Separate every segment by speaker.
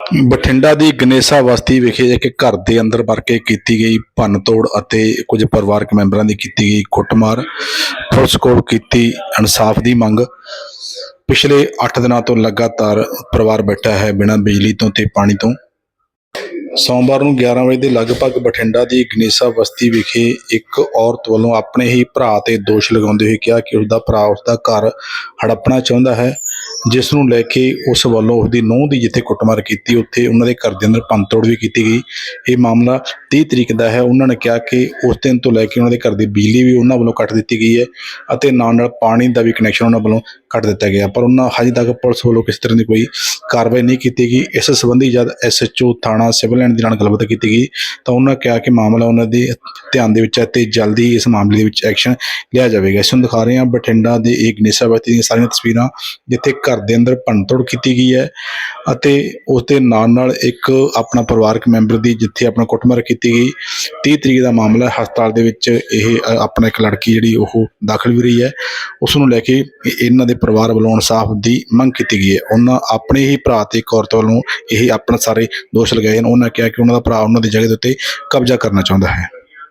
Speaker 1: ਬਠਿੰਡਾ ਦੀ ਗਨੇਸਾ ਬਸਤੀ ਵਿਖੇ ਇੱਕ ਘਰ ਦੇ ਅੰਦਰ ਵੜ ਕੇ ਕੀਤੀ ਗਈ ਭੰਨ-ਤੋੜ ਅਤੇ ਕੁਝ ਪਰਿਵਾਰਕ ਮੈਂਬਰਾਂ ਦੀ ਕੀਤੀ ਗਈ ਕੁੱਟਮਾਰ। ਪੁਲਿਸ ਕੋਲ ਕੀਤੀ ਇਨਸਾਫ ਦੀ ਮੰਗ। ਪਿਛਲੇ 8 ਦਿਨਾਂ ਤੋਂ ਲਗਾਤਾਰ ਪਰਿਵਾਰ ਬੈਠਾ ਹੈ ਬਿਨਾਂ ਬਿਜਲੀ ਤੋਂ ਤੇ ਪਾਣੀ ਤੋਂ। ਸੋਮਵਾਰ ਨੂੰ 11 ਵਜੇ ਦੇ ਲਗਭਗ ਬਠਿੰਡਾ ਦੀ ਗਨੇਸਾ ਬਸਤੀ ਵਿਖੇ ਇੱਕ ਔਰਤ ਵੱਲੋਂ ਆਪਣੇ ਹੀ ਭਰਾ ਤੇ ਦੋਸ਼ ਲਗਾਉਂਦੇ ਹੋਏ ਕਿਹਾ ਕਿ ਉਸਦਾ ਭਰਾ ਉਸਦਾ ਘਰ ਹੜੱਪਣਾ ਚਾਹੁੰਦਾ ਹੈ, ਜਿਸ ਨੂੰ ਲੈ ਕੇ ਉਸ ਵੱਲੋਂ ਉਸਦੀ ਨੂੰਹ ਦੀ ਜਿੱਥੇ ਕੁੱਟਮਾਰ ਕੀਤੀ ਉੱਥੇ ਉਹਨਾਂ ਦੇ ਘਰ ਦੇ ਅੰਦਰ ਭੰਨ-ਤੋੜ ਵੀ ਕੀਤੀ ਗਈ। ਇਹ ਮਾਮਲਾ 30 ਤਰੀਕ ਦਾ ਹੈ। ਉਹਨਾਂ ਨੇ ਕਿਹਾ ਕਿ ਉਸ ਦਿਨ ਤੋਂ ਲੈ ਕੇ ਉਹਨਾਂ ਦੇ ਘਰ ਦੀ ਬਿਜਲੀ ਵੀ ਉਹਨਾਂ ਵੱਲੋਂ ਕੱਟ ਦਿੱਤੀ ਗਈ ਹੈ ਅਤੇ ਨਾਲ ਪਾਣੀ ਦਾ ਵੀ ਕਨੈਕਸ਼ਨ ਉਹਨਾਂ ਵੱਲੋਂ ਕੱਟ ਦਿੱਤਾ ਗਿਆ, ਪਰ ਉਹਨਾਂ ਹਜੇ ਤੱਕ ਪੁਲਿਸ ਵੱਲੋਂ ਕਿਸੇ ਤਰ੍ਹਾਂ ਦੀ ਕੋਈ ਕਾਰਵਾਈ ਨਹੀਂ ਕੀਤੀ ਗਈ। ਇਸ ਸੰਬੰਧੀ ਜਦ SHO ਥਾਣਾ ਸਿਵਲ ਲਾਈਨ ਦੇ ਨਾਲ ਗੱਲਬਾਤ ਕੀਤੀ ਗਈ ਤਾਂ ਉਹਨਾਂ ਕਿਹਾ ਕਿ ਮਾਮਲਾ ਉਹਨਾਂ ਦੇ ਧਿਆਨ ਦੇ ਵਿੱਚ ਹੈ ਤੇ ਜਲਦੀ ਇਸ ਮਾਮਲੇ ਦੇ ਵਿੱਚ ਐਕਸ਼ਨ ਲਿਆ ਜਾਵੇਗਾ। ਇਸ ਨੂੰ ਦਿਖਾ ਰਹੇ ਹਾਂ ਬਠਿੰਡਾ ਦੇ ਇੱਕ ਗਨੇਸਾ ਬਸਤੀ ਦੀਆਂ ਸਾਰੀਆਂ ਤਸਵੀਰਾਂ, ਜਿੱਥੇ ਘਰ ਦੇ ਅੰਦਰ ਭੰਨ-ਤੋੜ ਕੀਤੀ ਗਈ ਹੈ ਅਤੇ ਉਸ ਦੇ ਨਾਲ ਇੱਕ ਆਪਣਾ ਪਰਿਵਾਰਕ ਮੈਂਬਰ ਦੀ ਜਿੱਥੇ ਆਪਣਾ ਕੁੱਟਮਾਰ ਕੀਤੀ ਗਈ। 30 ਤਰੀਕ ਦਾ ਮਾਮਲਾ। ਹਸਪਤਾਲ ਦੇ ਵਿੱਚ ਇਹ ਆਪਣਾ ਇੱਕ ਲੜਕੀ ਜਿਹੜੀ ਉਹ ਦਾਖਲ ਵੀ ਰਹੀ ਹੈ। ਉਸ ਨੂੰ ਲੈ ਕੇ ਇਹਨਾਂ ਦੇ ਪਰਿਵਾਰ ਵੱਲੋਂ ਇਨਸਾਫ ਦੀ ਮੰਗ ਕੀਤੀ ਗਈ ਹੈ। ਉਹਨਾਂ ਆਪਣੇ ਹੀ ਭਰਾ ਤੇ ਇੱਕ ਔਰਤ ਵੱਲੋਂ ਇਹ ਆਪਣਾ ਸਾਰੇ ਦੋਸ਼ ਲਗਾਏ ਹਨ। ਉਹਨਾਂ ਕਿਹਾ ਕਿ ਉਹਨਾਂ ਦਾ ਭਰਾ ਉਹਨਾਂ ਦੀ ਜਗ੍ਹਾ ਦੇ ਉੱਤੇ ਕਬਜ਼ਾ ਕਰਨਾ ਚਾਹੁੰਦਾ ਹੈ।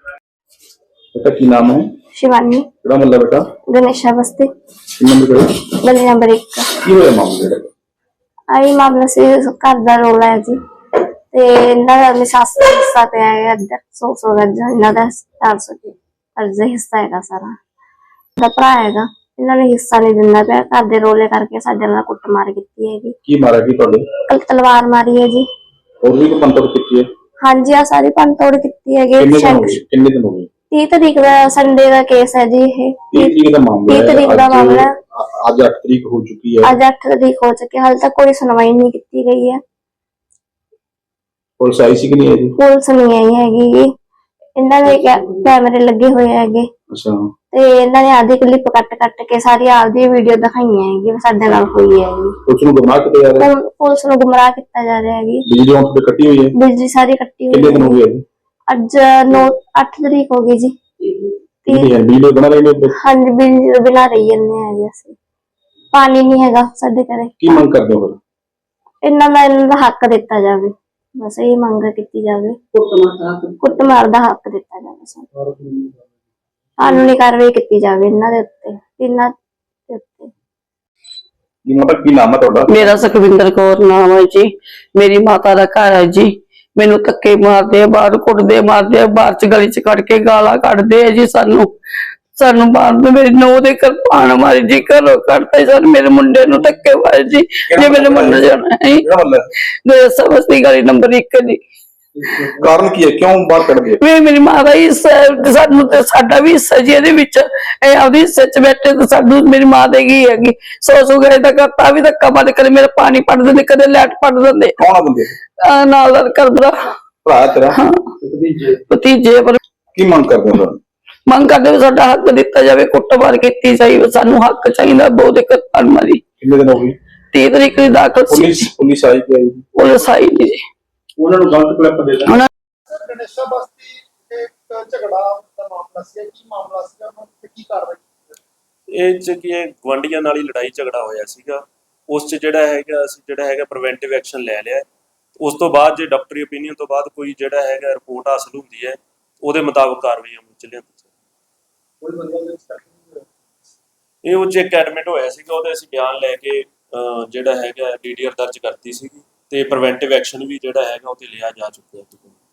Speaker 2: बेटा की नाम है?
Speaker 3: शिवानी।
Speaker 2: ਕਿਹੜਾ ਮੱਲਾ ਬੇਟਾ?
Speaker 3: गणेशा बस्ती
Speaker 2: ਨੰਬਰ ਕਿਹੜਾ?
Speaker 3: गली नंबर 1 का।
Speaker 2: ਕੀ ਹੋਇਆ ਮਾਮਲਾ ਜਿਹੜਾ?
Speaker 3: आई मामला से घर का रोला है जी ते इन्ना दा मैं सस दा हिस्सा पे है इधर 100 गज इन्ना दा 400 की अर्जा हिस्सा हैगा सारा दा भरा हैगा। इन्ना ने हिस्सा नहीं दिंदा पे घर दे रोले करके साडे नाल कुੱਟਮਾਰ ਕੀਤੀ हैगी।
Speaker 2: ਕੀ ਮਾਰਿਆ ਕੀ ਤੁਹਾਡੇ?
Speaker 3: तलवार मारी है जी।
Speaker 2: ਹੋਰ ਵੀ ਕੋਈ ਪੰਤੜ ਕੀਤੀ ਹੈ?
Speaker 3: हाँ जी आ सारी भंनतोड़ ਕੀਤੀ हैगी।
Speaker 2: ਕਿੰਨੇ ਦਿਨ ਹੋ ਗਏ?
Speaker 3: 30 तरीक का संडे का केस है जी। ये
Speaker 2: 30 तरीक ਦਾ ਮਾਮਲਾ ਹੈ।
Speaker 3: 30 तरीक का मामला।
Speaker 2: ਅੱਜ 8 ਤਰੀਕ ਹੋ ਚੁੱਕੀ ਹੈ।
Speaker 3: आज 8 तरीक हो चुकी है, हाल तक कोई सुनवाई नहीं की गई है।
Speaker 2: ਪੁਲਿਸ ਆਈ ਸੀ ਕਿ ਨਹੀਂ ਆਈ?
Speaker 3: पुलिस नहीं आई हैगी। इन्हां दे कैमरे लगे हुए हैगे
Speaker 2: ਅੱਛਾ
Speaker 3: ते इन्हां ने आधी क्लिप कट के सारी आपदी वीडियो दिखाई हैगी साडे नाल होई हैगी।
Speaker 2: ਪੁਲਿਸ ਨੂੰ ਗੁੰਮਰਾਹ ਕੀਤਾ ਜਾ ਰਿਹਾ ਹੈ।
Speaker 3: पुलिस ਨੂੰ गुमराह किया जा रहा हैगी।
Speaker 2: ਬਿਜਲੀ ਔਨ ਤੇ ਕੱਟੀ ਹੋਈ ਹੈ।
Speaker 3: बिजली सारी कट्टी
Speaker 2: ਕਿੰਨੇ
Speaker 3: हुई
Speaker 2: ਦਿਨ ਹੋ
Speaker 3: है।
Speaker 2: ਗਏ?
Speaker 3: आज 8 तरीक हो गई जी।
Speaker 2: ਕਿੰਨੀ ਹੈ ਬਿਜਲੀ ਬਣਾ ਰਹੇ ਨੇ?
Speaker 3: हाँ जी बिजली बिना रही है ਅਸੀਂ। पानी नहीं हैगा साडे घरे।
Speaker 2: ਕੀ ਮੰਗ ਕਰਦੇ ਹੋ ਫਿਰ?
Speaker 3: इन्हां दा हक दिता जावे, बस यही मंग की जावे। कुੱਟਮਾਰ ਦਾ हक दिता जावे, कानूनी कार्रवाई की जावे इन्हां दे उत्ते इन्हां दे उत्ते।
Speaker 2: ਕੀ ਮਾਤਾ ਕੀ ਨਾਮ ਹੈ ਤੁਹਾਡਾ?
Speaker 4: मेरा सुखविंदर कौर नाम है जी। मेरी माता का घर है जी। मैनू धक्के मारते आ, बाहर कुटदे मारदे आ, बाहर च गली च कट के गाला कटदे आ जी। सानू मारदे, मेरी नूंह दे कृपान मारी जी, घरों कटते सर मेरे मुंडे नू धक्के मारे जी। जे मेरे मुंडे जाना है
Speaker 2: ਕਿਹੜਾ ਮੱਲਾ ਹੈ?
Speaker 4: गणेशा बस्ती गली नंबर 1 जी।
Speaker 2: ਕਾਰਨ ਕੀ ਹੈ ਕਿਉਂ ਬਾਹਰ ਕੱਢਦੇ ਆ?
Speaker 4: वे मेरी मां का हिस्सा है, सानू ते साडा भी हिस्सा जी ਇਹਦੇ ਵਿੱਚ। ਇਹ ਆਪਦੀ ਹਿੱਸੇ ਚ ਬੈਠੇ ਤੇ ਸਾਨੂੰ ਮੇਰੀ ਮਾਂ ਦੇ ਗਈ ਹੈਗੀ। 100 ਗਏ ਤੱਕ ਤਾਂ ਵੀ ਧੱਕਾ ਮਾਰ ਕਦੇ ਮੇਰਾ ਪਾਣੀ ਪੜ ਦਿੰਦੇ, ਕਦੇ ਲਾਈਟ ਪੜ ਦਿੰਦੇ।
Speaker 2: ਕੌਣ ਆ ਬੰਦੇ?
Speaker 4: ਨਾਲ ਦਾ ਕਰਦਾ
Speaker 2: ਭਰਾ ਤੇਰਾ?
Speaker 4: ਭਤੀਜੇ। ਪਰ
Speaker 2: ਕੀ ਮੰਗ ਕਰਦੇ ਹੋ?
Speaker 4: ਮੰਗ ਕਰਦੇ ਵੀ ਸਾਡਾ ਹੱਕ ਦਿੱਤਾ ਜਾਵੇ, ਕੁੱਟਮਾਰ ਕੀਤੀ ਜਾਈ, ਸਾਨੂੰ ਹੱਕ ਚਾਹੀਦਾ। ਬਹੁਤ ਦਿੱਕਤ ਮਾਰੀ।
Speaker 2: ਕਿੰਨੇ ਦਿਨ ਹੋ ਗਏ?
Speaker 4: 30 ਤਰੀਕ ਦੀ ਦਾਖਲ ਸੀ।
Speaker 2: ਪੁਲਿਸ ਆਈ ਕਿ ਆਈ?
Speaker 4: ਪੁਲਿਸ ਆਈ ਨਹੀਂ ਜੀ।
Speaker 2: ਉਹਨਾਂ ਨੂੰ ਗਲਤ ਕਲਿੱਪ ਦੇ ਦਿੱਤਾ।
Speaker 5: ਗਣੇਸ਼ਾ ਬਸਤੀ ਇੱਕ ਝਗੜਾ ਦਾ ਮਾਮਲਾ ਸੀ। ਕੀ ਮਾਮਲਾ ਸੀ ਉਹਨਾਂ ਤੇ ਕੀ ਕਾਰਵਾਈ ਕੀਤੀ?
Speaker 6: ਇਹ ਚ ਕੀ ਗਵਾਂਢੀਆਂ ਨਾਲ ਹੀ ਲੜਾਈ ਝਗੜਾ ਹੋਇਆ ਸੀਗਾ। ਉਸ ਚ ਜਿਹੜਾ ਹੈਗਾ ਪ੍ਰੀਵੈਂਟਿਵ ਐਕਸ਼ਨ ਲੈ ਲਿਆ। ਉਸ ਤੋਂ ਬਾਅਦ ਜੇ ਡਾਕਟਰੀ ਓਪੀਨੀਅਨ ਤੋਂ ਬਾਅਦ ਕੋਈ ਜਿਹੜਾ ਹੈਗਾ ਰਿਪੋਰਟ ਹਾਸਲ ਹੁੰਦੀ ਹੈ ਉਹਦੇ ਮੁਤਾਬਕ ਕਾਰਵਾਈ ਅਮਲ ਚ ਲਿਆਂਦੀ ਜਾਵੇ। ਇਹ ਉਹ ਚ ਇੱਕ ਐਡਮਿਟ ਹੋਇਆ ਸੀਗਾ, ਉਹਦੇ ਅਸੀਂ ਬਿਆਨ ਲੈ ਕੇ ਜਿਹੜਾ ਹੈਗਾ DDR ਦਰਜ ਕਰਤੀ ਸੀਗੀ ਤੇ ਪ੍ਰੀਵੈਂਟਿਵ ਐਕਸ਼ਨ ਵੀ ਜਿਹੜਾ ਹੈਗਾ ਉਹ ਤੇ ਲਿਆ ਜਾ ਚੁੱਕਿਆ।